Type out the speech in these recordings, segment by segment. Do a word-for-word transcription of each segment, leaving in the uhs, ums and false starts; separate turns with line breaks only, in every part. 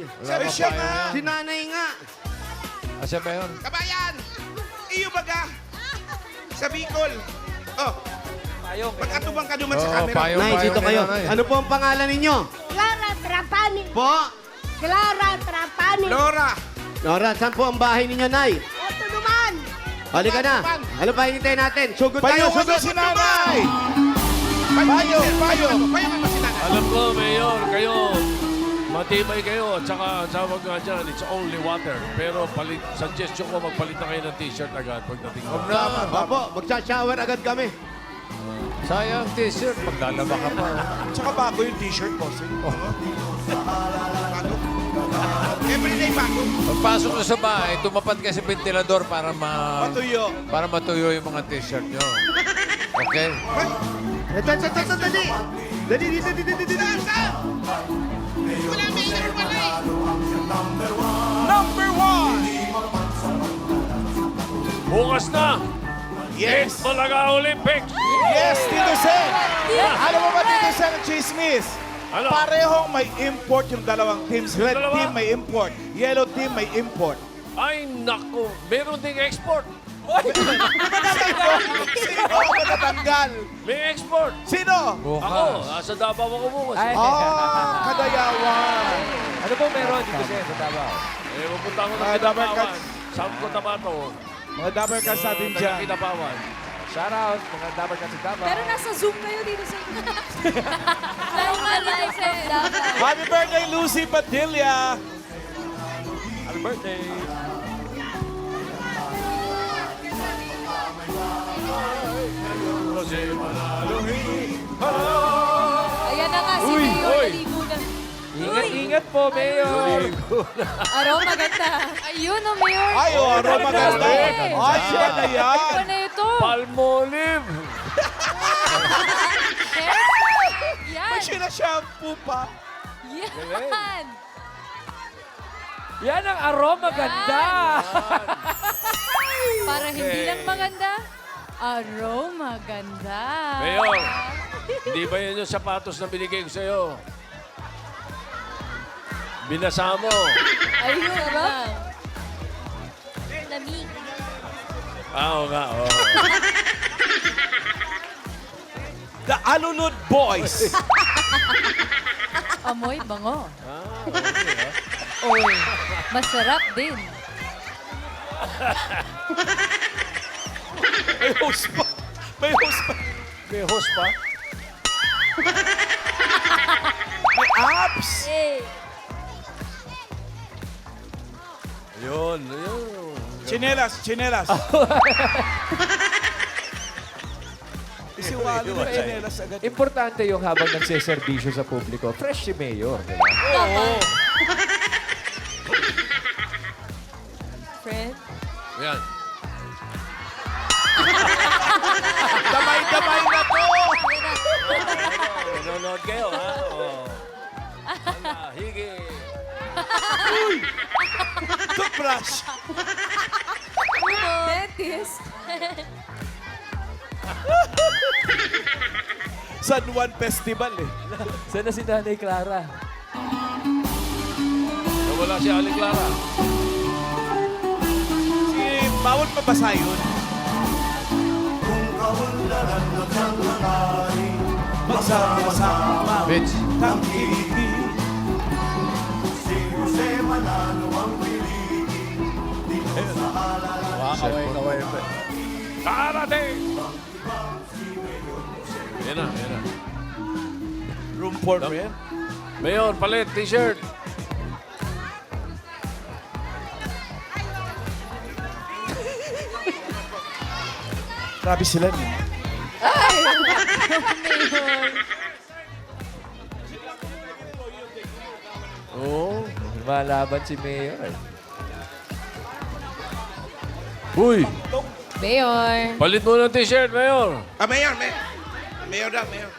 Sabi
pa
siya
payong
nga.
yan.
Si nanay nga.
Asa ba yun?
Kabayan! Iyo baga! Sa Bicol. Oh,
Payong.
mag-atubang ka naman sa
Oo,
camera.
payong.
Nay, dito kayo.
nanay.
Ano po ang pangalan ninyo?
Clara Trapani.
Po?
Clara Trapani.
Laura!
Nora, saan po ang bahay ninyo, Nay?
Ito naman.
Halika na. Ano pa hinintay natin? Sugod tayo,
Payong
sugod.
ano si nanay! Payong! Payong! Payong ano si nanay?
Alam ko, Mayor, kayo, matibay kayo. At saka, ang tawag nga dyan, it's only water. Pero palit, suggestion ko, magpalit na kayo ng t-shirt agad pagdating mo.
Huwag naman.
Opo, magsha-shower agad kami.
Sayang t-shirt. Maglalaba ka pa.
Tsaka bago yung t-shirt ko. Bago? Everyday bago.
Pagpasok nyo sa bahay, tumapat kayo sa ventilador para ma...
Matuyo.
Para matuyo yung mga t-shirt nyo. Okay?
Ito, ito, ito, ito, dali. Dali, dali, dali, dali, dali.
Saan? Saan? Wala mayor pala eh. Number one!
Bukas na!
Yes!
Malaga Olympics!
Yes, Tito Sen! Ano mo ba, Tito Sen at Chismis?
Ano?
Parehong may import yung dalawang teams. Red
Dalawa?
team may import. Yellow team may import.
Ay, naku! Meron ding export!
Sino ang matatanggal?
May export!
Sino?
Ako,
Bukas.
nasa Davao ako bukas.
Ay,
Ah, Kadayawan.
ano po meron dito sa sa Davao?
Eh, pupunta ako ng
Mga Dabber
Kinabawan.
Cats.
Saan ko tabato?
Mga dabber cats natin dyan.
Kinabawan.
Shout out, mga Dabber Cats sa Davao.
Pero nasa Zoom kayo dito sa Live na live sa Davao.
Happy birthday, Lucy Padilla!
Happy birthday!
Ayan na nga si
Uy,
Mayor.
uy.
Naligo na.
Ingat-ingat po, Mayor!
Aro, maganda. Ayun, oh, Mayor.
Ay, oh, aroma ganda.
Ay,
Ay, siya na yan.
Ano na ito?
Palmolive!
Yan.
May sina-shampoo pa.
Yan.
Yan ang aroma ganda!
Para hindi lang maganda, aroma ganda.
Mayor, hindi ba yan yung sapatos na binigay ko sa'yo? Binasa mo.
Ayun, sarap. Lamig.
Ah, oo nga, oo.
The Alulud Boys.
Amoy bango. Oy, masarap din.
May host pa. May host pa.
May host pa?
May apps.
Eh,
Ayun, ayun.
Chinelas, chinelas. Isiwalo yung chinelas agad.
Importante yung habang nagseservisyo sa publiko. Fresh si Mayor, di ba?
dapat. Friend?
Ayan.
Damay-damay na to.
Nanonood kayo, ha? Oo. Ala, higi.
Toothbrush.
Dentist.
San Juan Festival eh.
Sana si Nanay Clara?
Nawala si Aling Clara.
Si bawal mabasa yun. Magsama-sama
Bitch.
tangkili.
Kaway-kaway pa.
Karating! Yan na, yan na.
Room four mo yan.
Mayor, palit, t-shirt.
Grabe sila niya.
Mayor.
Oo. Malaban si Mayor.
Uy,
Mayor.
palit mo ng t-shirt, Mayor.
Ah, Mayor, Mayor. Mayor daw, Mayor.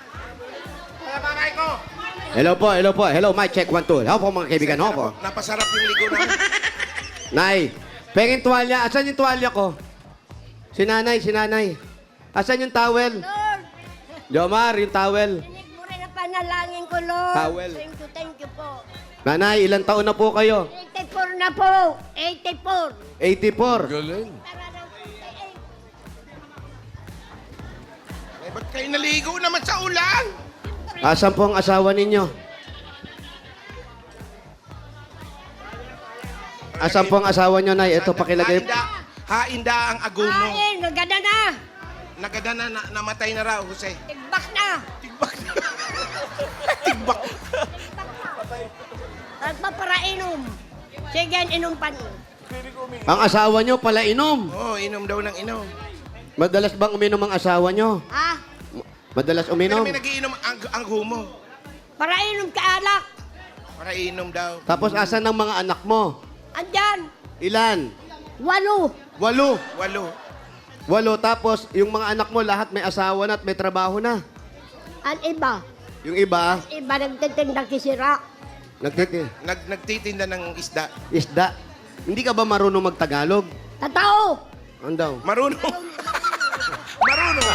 Hello po, hello po. Hello, mic check, one, two. Hello po mga kaibigan. Hello po.
Napasarap yung ligo namin.
Nay, pengin tuwalya. Asan yung tuwalya ko? Si nanay, si nanay. Asan yung towel?
Lord,
Jomar, yung towel.
tinig mo rin ang panalangin ko, Lord.
Towel.
Thank you, thank you po.
Nanay, ilang taon na po kayo?
eighty-four na po. eighty-four.
eighty-four.
Galing.
Eh, ba't kayo naligo naman sa ulan?
Asan po ang asawa ninyo? Asan po ang asawa nyo, Nay? Ito, pakilagay.
Hainda, hainda ang agumo.
Kain, nagada na.
Nagada na, na, namatay na raw, Jose.
Tigbak na.
Tigbak na. Tigbak.
Nagpaparainom. Sige, inom pa niyo.
Ang asawa nyo pala inom.
Oo, oh, inom daw ng inom.
Madalas bang uminom ang asawa nyo?
Ha?
Madalas
Pero
uminom.
may nagiinom ang, ang humo.
Parainom ka alak.
Para inom daw.
Tapos asan ang mga anak mo?
Andyan.
Ilan?
Walo.
Walo.
Walo.
Walo. Tapos yung mga anak mo lahat may asawa na at may trabaho na.
Ang iba.
Yung iba,
Iba nagtitinda kisira.
nagtiti,
Nag, nagtitinda ng isda.
isda. Hindi ka ba marunong magtagalog?
Tatao.
Ano daw?
Marunong. Marunong.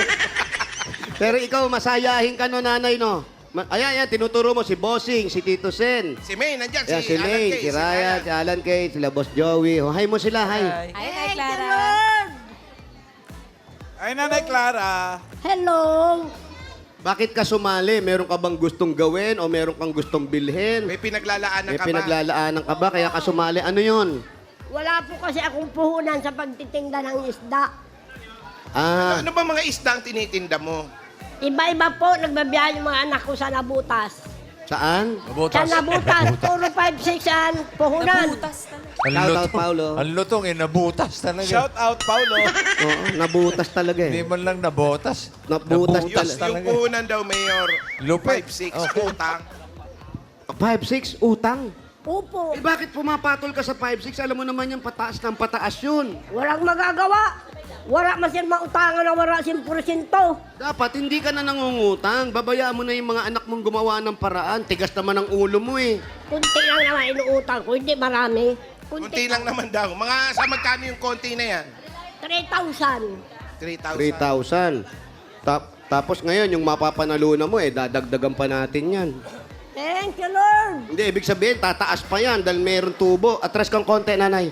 Pero ikaw, masayahin ka no, nanay, no? Ma- ayan, ayan, tinuturo mo si Bossing, si Tito Sen.
Si May, nandyan.
Ayan,
si,
si
Alan
May,
Kay,
si Ryan, si Alan Kay, sila Boss Joey. Oh, hi mo sila, hi.
Ay, Nay
Thank you,
Clara.
Lord.
Ay, Nanay Clara.
Hello.
Bakit ka sumali? Meron ka bang gustong gawin o meron kang gustong bilhin?
May pinaglalaanan
May
ka ba?
pinaglalaanan ka ba? Kaya ka sumali. Ano yun?
Wala po kasi akong puhunan sa pagtitinda ng isda.
Ah,
Ano ba mga isda ang tinitinda mo?
Iba-iba po, nagbabiyahe yung mga anak ko sa Nabutas.
saan?
Sa
Mabutas.
Nabutas, puro five six an, puhunan.
Nabutas talaga.
Ang
Shout out,
lutong,
Paulo.
ang lutong eh, nabutas talaga.
Shout out, Paulo.
Oo, nabutas talaga
Hindi
eh.
man lang nabotas.
Nabutas
Yung,
talaga.
yung
talaga.
puhunan daw, Mayor.
Lupit.
five six,
Okay.
utang.
five six, utang.
Opo,
Eh bakit pumapatol ka sa five six? Alam mo naman yung pataas ng pataas yun.
walang magagawa. Wala masin mautangan na wala sin porsyento.
Dapat hindi ka na nangungutang. Babayaan mo na yung mga anak mong gumawa ng paraan. Tigas naman ang ulo mo eh.
Kunti lang naman inuutang ko, hindi marami.
Kunti lang naman daw. Mga sa magkano yung konti na yan?
three thousand.
three thousand.
three thousand. Tap, tapos ngayon, yung mapapanalunan mo eh, dadagdagan pa natin yan.
Thank you, Lord.
Hindi, ibig sabihin, tataas pa yan dahil mayroong tubo. Atras kang konti, nanay.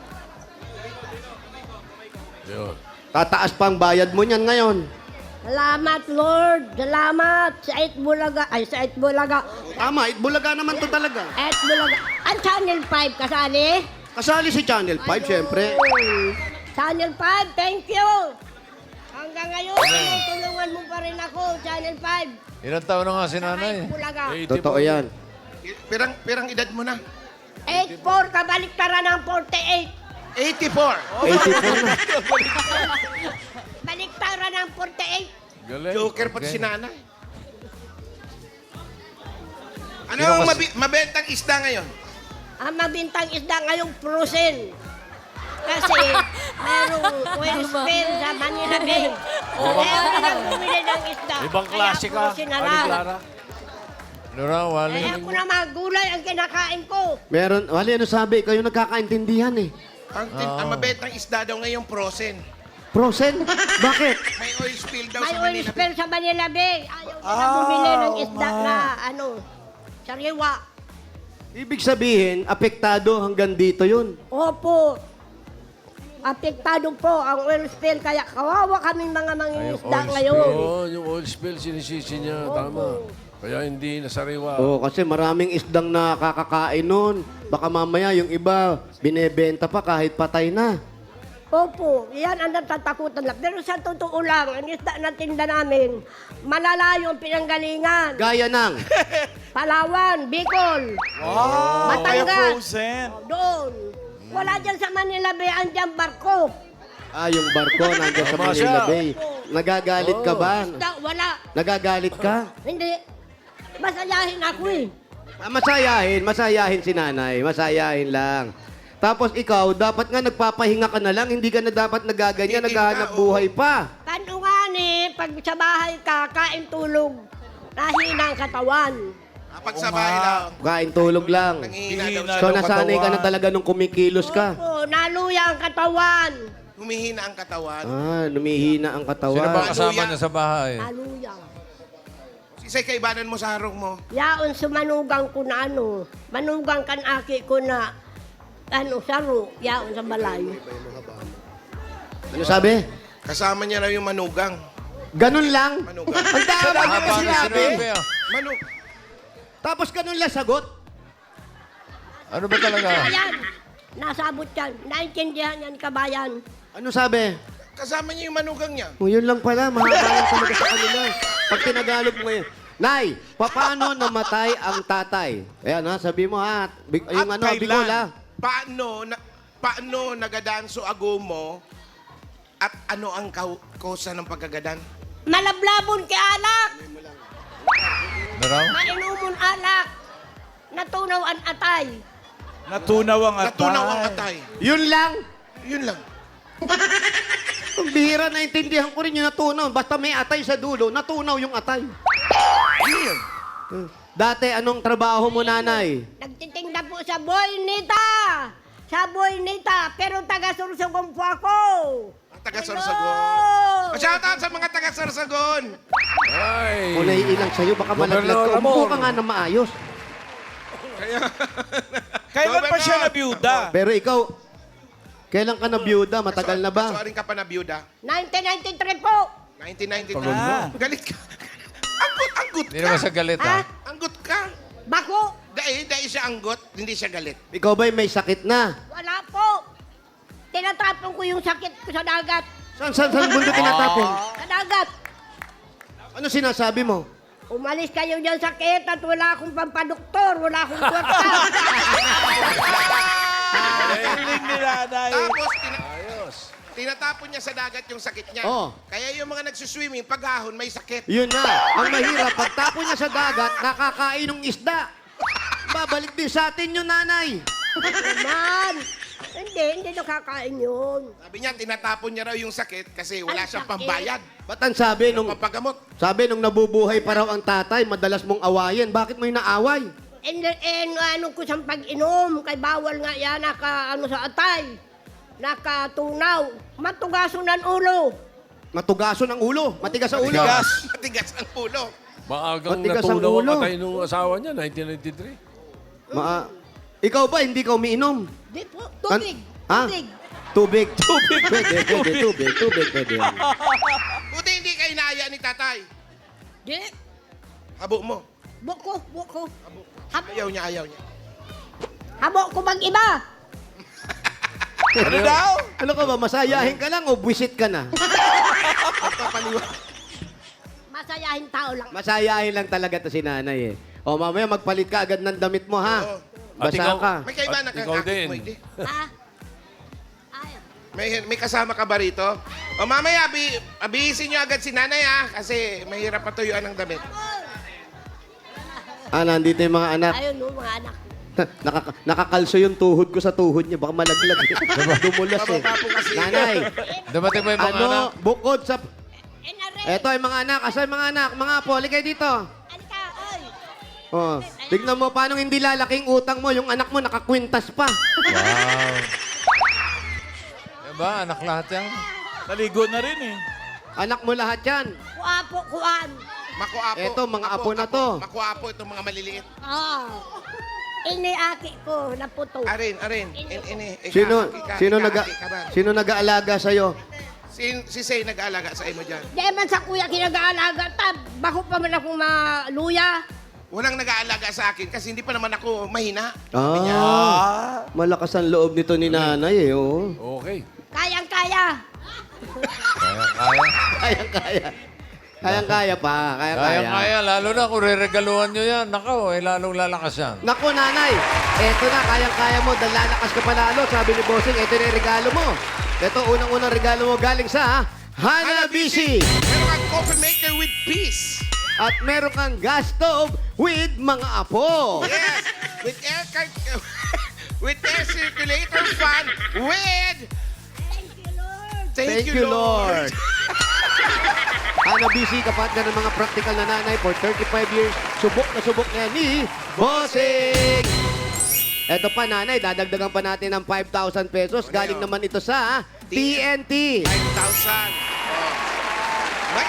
Yun.
Tataas pa ang bayad mo niyan ngayon.
Salamat, Lord. Salamat. Sa Ait Bulaga. Ay, sa Ait Bulaga.
Tama, itbulaga naman to talaga.
Ait Bulaga. Ang Channel five kasali.
Kasali si Channel five, syempre.
Ayun. Channel five, thank you. Hanggang ngayon, tulungan mo pa rin ako, Channel five.
Ilang taon na nga si
Sa
nanay?
Ait Bulaga.
Totoo yan.
Pirang, pirang edad mo na?
eighty-four, kabalik tara ng forty-eight.
eighty-four.
eighty-four na.
Balik tara ng forty-eight.
Galing.
Joker pati si nanay. Ano
Sino
ang
kas-
mabi- mabentang isda ngayon?
Ang mabintang isda ngayong frozen. Kasi merong oil spill sa Manila Bay. Kaya ako na bumili ng isda.
Ibang
Kaya
klase ka,
frozen na
Ani
lang.
Clara.
Ano raw, Wally?
Kaya ako na mga gulay ang kinakain ko.
Meron, wali, ano sabi? Kayo nagkakaintindihan eh.
Ang, tin- ang mabentang isda daw ngayong frozen.
Frozen? Bakit?
May oil spill daw
May
sa
oil
Manila.
spill sa Manila Bay. Ayaw ko na bumili ng isda na ano, sariwa.
Ibig sabihin, apektado hanggang dito yun.
Opo. Apektado po ang oil spill. Kaya kawawa kaming mga mangingisda
Oil
ngayon.
spill. Oo, yung oil spill, sinisisi niya. Tama. Kaya hindi nasariwa.
Oo, kasi maraming isdang nakakakain nun. Baka mamaya yung iba, binebenta pa kahit patay na.
Opo, yan ang natatakutan lang. Pero sa totoo lang, ang isda na tinda namin, malalayo ang pinanggalingan.
Gaya ng,
Palawan, Bicol,
Wow, kaya
Batangas.
frozen.
Doon. Wala dyan sa Manila Bay, andyan barko.
ah, yung barko nandiyan sa
Tama
Manila
siya.
Bay. Nagagalit ka ba?
Isda, wala.
Nagagalit ka?
Hindi. Masayahin ako eh.
Ah, masayahin, masayahin si nanay. Masayahin lang. Tapos ikaw, dapat nga nagpapahinga ka na lang. Hindi ka na dapat nagaganyan,
Hindi
naghahanap
ka,
buhay pa.
Kano nga ni, pag sa bahay ka, kain tulog, nahina ang katawan.
Kapag sa bahay lang,
Kain tulog lang.
nangihina daw
Hihina
siya.
So
daw
nasanay ka na
katawan.
talaga nung kumikilos ka.
Opo, naluya ang katawan.
Humihina ang katawan.
Ah, lumihina ang
Sino ba
katawan.
kasama niya sa bahay?
Naluya.
Si Isa'y kaibanan mo sa harong mo.
Yaon sumanugang ko na ano, manugang kan aki ko na ano, saro, yaon sa balay.
Ano sabi?
Kasama niya raw yung manugang.
Ganun lang?
Manugang.
Ang tama
Haba
niya
na
sinabi.
sinabi, ah.
Manu...
Tapos ganun lang sagot.
Ano ba talaga?
Ayan, nasabot yan. Naintindihan yan, kabayan.
Ano sabi?
Kasama niya yung manugang niya.
O, yun lang pala. Mahaba lang talaga sa kanila. Pag tinagalog mo ngayon. Nay, paano namatay ang tatay? Ayan ha, sabi mo ha. Big, yung
At
ano,
kailan?
Bicol ha.
Paano, na, paano nagadanso agomo at ano ang kau- kosa ng pagkagadan?
Malablabon kay alak,
Ano raw?
mainumon alak, natunaw ang atay.
Natunaw ang atay.
Natunaw ang atay.
Yun lang.
Yun lang.
Ang bihira, naintindihan ko rin yung natunaw. Basta may atay sa dulo, natunaw yung atay.
Yun.
Dati, anong trabaho mo, nanay?
Nagtitinda po sa Boynita. Sa Boynita, pero taga-Sursugong po ako.
Ang taga-Sorsogon.
Hello!
Shout out sa mga taga-Sorsogon.
Ay.
Kung naiilang sa'yo, baka malaglag ka.
Gobernador
Umupo
Amor.
ka nga na maayos.
Kailan pa siya nabiyuda?
Pero ikaw, kailan ka na byuda? Matagal na ba?
Kasuaring ka pa na biyuda.
nineteen ninety-three po.
nineteen ninety-two.
Ah.
Galit ka. Anggot, anggot
Hindi
ka.
naman sa galit,
Ha?
ha?
Anggot ka.
Bako?
Dahil, dahil siya anggot, hindi siya galit.
Ikaw ba'y may sakit na?
Wala po. Tinatapon ko yung sakit ko sa dagat.
Saan, saan, saan mundo tinatapon?
Sa dagat.
Ano sinasabi mo?
Umalis kayo dyan sa sakit at wala akong pampadoktor, wala akong kwarta.
Galing ni nanay.
Tapos, tina- tinatapon niya sa dagat yung sakit niya.
Oo.
Kaya yung mga nagsuswimming, paghahon, may sakit.
Yun na. Ang mahirap, pagtapon niya sa dagat, nakakain ng isda. Babalik din sa atin yun, nanay.
Naman. Hindi, hindi nakakain yun.
Sabi niya, tinatapon niya raw yung sakit kasi wala
Ang
siyang
sakit.
pambayad.
Ba't ang sabi nung,
Pampagamot.
sabi nung nabubuhay pa raw ang tatay, madalas mong awayin. Bakit mo inaaway?
And, and ano ko sa pag-inom, kay bawal nga yan, naka, ano sa atay, nakatunaw, matugaso ng ulo.
Matugaso ng ulo. Matigas sa ulo.
Matigas.
Matigas ang ulo.
Maagang
Matigas ang
natunaw ang
ulo.
patay nung asawa niya, nineteen ninety-three.
Ma ikaw ba, hindi ka umiinom?
Di po, tubig,
Ha?
tubig.
Tubig. Tubig. Pwede, pwede. Tubig, tubig, pwede.
Buti hindi ka inaya ni tatay.
Di,
Habo mo.
buko, buko. Habo,
Ayaw niya, ayaw niya.
habo ko bang iba?
Ano daw?
Ano ka ba, masayahin ka lang o buwisit ka na?
Masayahin tao lang.
Masayahin lang talaga to si nanay eh. O mamaya magpalit ka agad ng damit mo ha.
Oo.
At
Basa
ikaw-
ka.
May kaiba na
At ikaw din.
mo, hindi.
Ha? Ay,
May, may kasama ka ba rito? O mamaya, abi, abihisin niyo agad si nanay ha, kasi mahirap patuyuan ng damit.
Ah, nandito yung mga anak.
ayun no, mga anak.
Nakaka- nakakalso yung tuhod ko sa tuhod niya. Baka malaglag. Dumulas eh.
Bababa po kasi.
Nanay,
Dumating mo yung mga
ano,
anak?
bukod sa...
Enare,
Eto ay mga anak. Asa yung mga anak? Mga apo, halika dito.
alika, oy.
Oh, tignan mo paano hindi lalaking utang mo. Yung anak mo nakakwintas pa.
Wow. Diba, anak lahat yan?
Naligo na rin eh.
Anak mo lahat yan.
Kuapo, kuan.
Makuapo.
Eto, mga apo na to.
Makuapo, itong mga maliliit.
Ah. Iniaki ko, naputo.
Arin, arin. In, in, in,
Sino,
ikahaki ka,
sino, naga,
ikahaki ka ba?
sino nag-aalaga sa'yo?
Si, si Say nag-aalaga sa imo dyan.
Di man sa kuya kinag-aalaga, tab, bako pa man akong maluya.
Walang nag-aalaga sa akin kasi hindi pa naman ako mahina. Sabi niya.
Ah, malakas ang loob nito ni nanay eh. Oh.
Okay.
Kayang-kaya.
Kaya, kaya.
Kayang-kaya. Kayang-kaya pa.
Kaya,
Kayang-kaya.
kaya. Lalo na kung re-regaluhan nyo yan. Nakaw, eh, lalong lalakas yan.
Naku, nanay. Eto na, kayang-kaya mo. Dahil lalakas ka palalo. Sabi ni Bossing, eto na yung regalo mo. Eto, unang-unang regalo mo galing sa Hanabishi.
Meron kang coffee maker with peace.
At meron kang gas stove with mga apo.
Yes. With air cir- with air circulator fan with
Thank you, Lord.
Thank, you, Lord.
Hanabishi, kapatid ng mga practical na nanay for thirty-five years. Subok na subok na yan ni Bossing. Eto pa, nanay, dadagdagan pa natin ng five thousand pesos. Galing naman ito sa T N T.
five thousand. Oh. May special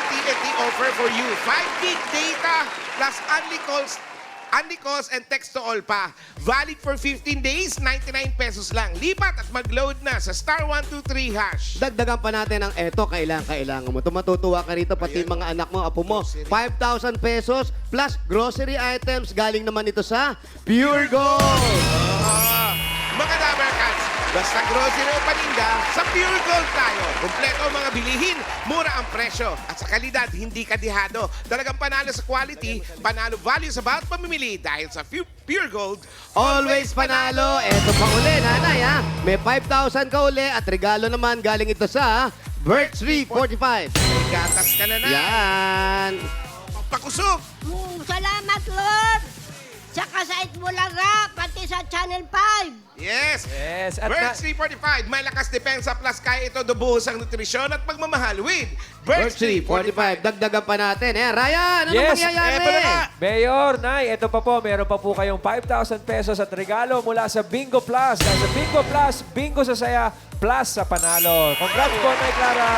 ang T N T offer for you. five gig data plus only calls, only calls and text to all pa. Valid for fifteen days, ninety-nine pesos lang. Lipat at mag-load na sa star one two three hash.
Dagdagan pa natin ang eto, kailangan, kailangan mo. Tumatutuwa ka rito, pati
Ayan.
mga anak mo, apo mo.
Grocery.
five thousand pesos plus grocery items. Galing naman ito sa Pure Gold.
Ah, mga Dabber Cats, basta grocery o paninda, sa Pure Gold tayo. Kompleto ang mga bilihin, mura ang presyo. At sa kalidad, hindi kadihado. Talagang panalo sa quality, panalo value sa bawat pamimili. Dahil sa Pu- Pure Gold,
Always panalo. Eto pa uli, nanay ha. May five thousand ka uli at regalo naman galing ito sa Birch three forty-five.
May gatas ka na na.
Yan.
Pakusog.
Mm, salamat, Lord! Sa Kasait Bulaga, pati sa Channel five.
Yes.
Yes. At
Birch
na,
three forty-five, may lakas depensa plus kaya ito dubuhos ang nutrisyon at pagmamahal with
Birch
Birch
three
three
forty-five.
forty-five.
Dagdagan pa natin. Eh, Ryan, ano
Yes,
mangyayari?
eto na nga.
Mayor, Nay, ito pa po, meron pa po kayong five thousand pesos at regalo mula sa Bingo Plus. Dahil sa Bingo Plus, Bingo sa saya, plus sa panalo. Congrats po, Nay Clara.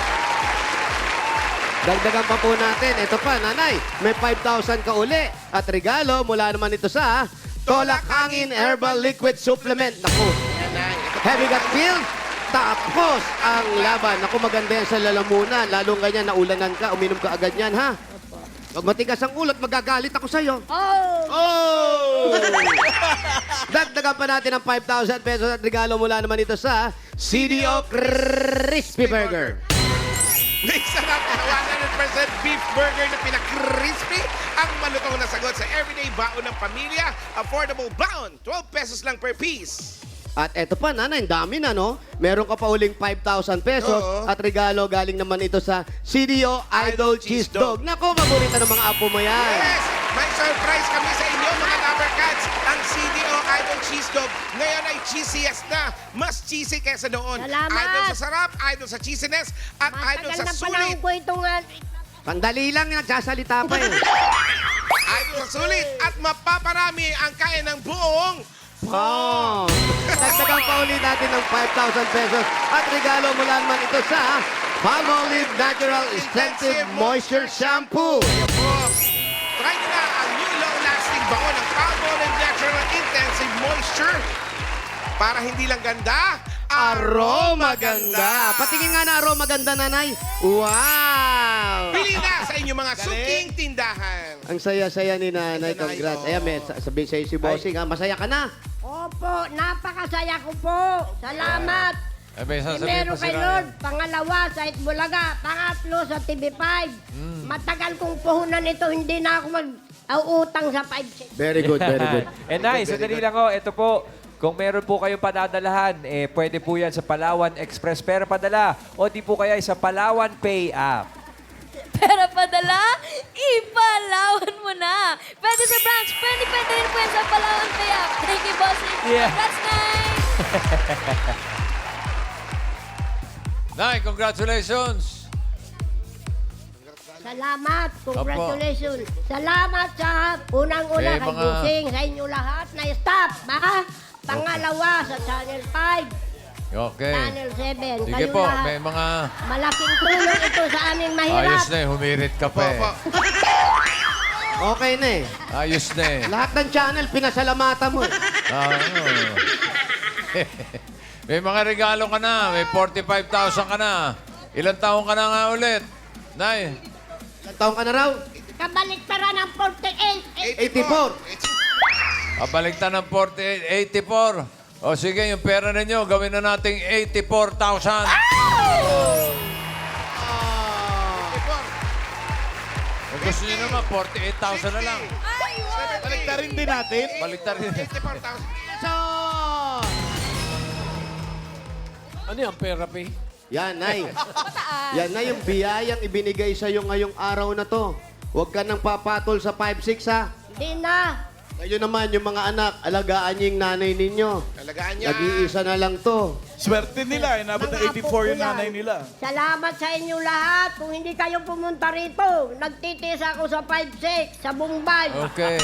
Dagdagan pa po natin. Ito pa, nanay. May five thousand ka uli. At regalo mula naman ito sa Tolak Hangin Herbal Liquid Supplement. Naku,
Yan na. Ito pa.
heavy gut feel. Tapos ang laban. Naku, maganda yan sa lalamunan. Lalong ganyan, naulanan ka, uminom ka agad yan, ha? Pag matigas ang ulot, magagalit ako sa'yo.
Oh!
Oh! Dagdagan pa natin ang five thousand pesos at regalo mula naman ito sa C D O Crispy Burger.
May sarap na one hundred percent beef burger na pinakrispy ang malutong na sagot sa everyday baon ng pamilya. Affordable baon, twelve pesos lang per piece.
At eto pa, nanay, ang dami na, no? Meron ka pa uling five thousand pesos
Oo.
at regalo galing naman ito sa C D O Idol Cheese Dog. Nako, paborito ng mga apo mo yan.
Yes! May surprise kami sa inyo mga Dabber Cats. Ang C D O Idol Cheese Dog ngayon ay cheesiest na. Mas cheesy kesa noon.
Salamat!
Idol sa sarap, idol sa cheesiness, at idol
Matagal
sa
na panahon
sulit.
ko itong... uh,
Sandali lang, nagsasalita pa eh.
Idol sa sulit at mapaparami ang kaya ng buong
Oh. Dagdagan pa ulit natin ng five thousand pesos at regalo mula naman ito sa Palmolive Natural Extensive Moisture Shampoo.
Ayan po. Try nyo na ang new long-lasting baon ng Palmolive Natural Intensive Moisture para hindi lang ganda,
Aroma ganda. Patingin nga na aroma ganda, nanay. Wow!
Pili na sa inyong mga suking tindahan.
Ang saya-saya ni nanay.
Ayan, Nay,
Congrats.
oh.
Ayan, may sa- sabihin sa'yo si Bossing, ha? Masaya ka na.
Opo, napakasaya ko po. Salamat.
Eh, may sasabihin
Primero
pa si
kay
Ryan.
Lord, pangalawa sa Itbulaga, pangatlo sa T V five.
Hmm.
Matagal kong puhunan ito, hindi na ako mag-utang sa five six.
Very good, very good.
Eh, Nay, sandali lang ho. Ito po, kung meron po kayong padadalahan, eh, pwede po yan sa Palawan Express Pera Padala o di po kaya sa Palawan Pay app.
Pera padala, ipalawan mo na. Pwede sa branch, pwede pwede rin po yan sa Palawan Kaya. Thank you, bossing.
Yeah.
That's nice.
Nay, congratulations!
Salamat, congratulations. Salamat sa unang-una
Eh,
kay
mga-
Busing, sa inyo lahat na staff, ba? Pangalawa sa Channel five,
Okay.
Channel seven.
Sige
Kayo
po,
lahat.
may mga...
Malaking tulong ito sa aming mahirap.
Ayos na eh, humirit ka pa eh.
Opo.
Okay na eh.
Ayos na eh.
Lahat ng channel, pinasalamatan mo. eh.
Ah, ano. May mga regalo ka na, may forty-five thousand ka na. Ilang taon ka na nga ulit? Nay,
Ilang taong ka na raw?
Kabaliktaran ng forty-eight.
eighty-four.
kabaligtan ng forty-eight, eighty-four. O sige, yung pera ninyo, gawin na nating eighty-four thousand. Kung gusto nyo naman, forty-eight thousand na lang.
Baliktarin din natin.
Baligtar rin.
eighty-four thousand.
Ano yan, therapy?
Yan, Nay. Yan na yung biyayang ibinigay sa'yo ngayong araw na to. Huwag ka nang papatol sa five six, ha?
Hindi na.
Ngayon naman, yung mga anak, alagaan niyo yung nanay ninyo.
Talagaan niya.
Nag-iisa na lang to.
Swerte nila. Inabot na
Mga
eighty-four yung
apo ko yan.
nanay nila.
Salamat sa inyo lahat. Kung hindi kayo pumunta rito, nagtitis ako sa five six, sa Bombay.
Okay.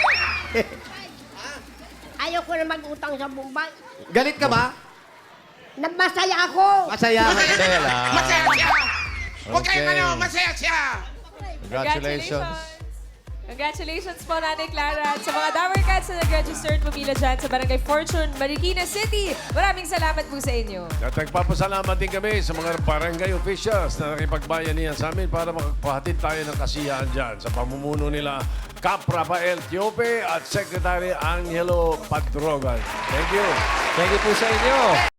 Ayoko na mag-utang sa Bombay.
Galit ka ba?
na masaya ako.
Masaya ka.
Masaya lang.
Masaya siya! Huwag kayong
Okay.
ano, masaya siya!
Congratulations.
Congratulations po, Nanay Clara. At sa mga Dower Cats na nag-register at pumila dyan sa Barangay Fortune, Marikina City, maraming salamat po sa inyo.
At nagpapasalamat din kami sa mga barangay officials na nakipagbayanihan sa amin para makapagpahatid tayo ng kasiyahan dyan sa pamumuno nila Cap Rafael Tiope at Secretary Angelo Padrogan. Thank you.
Thank you po sa inyo.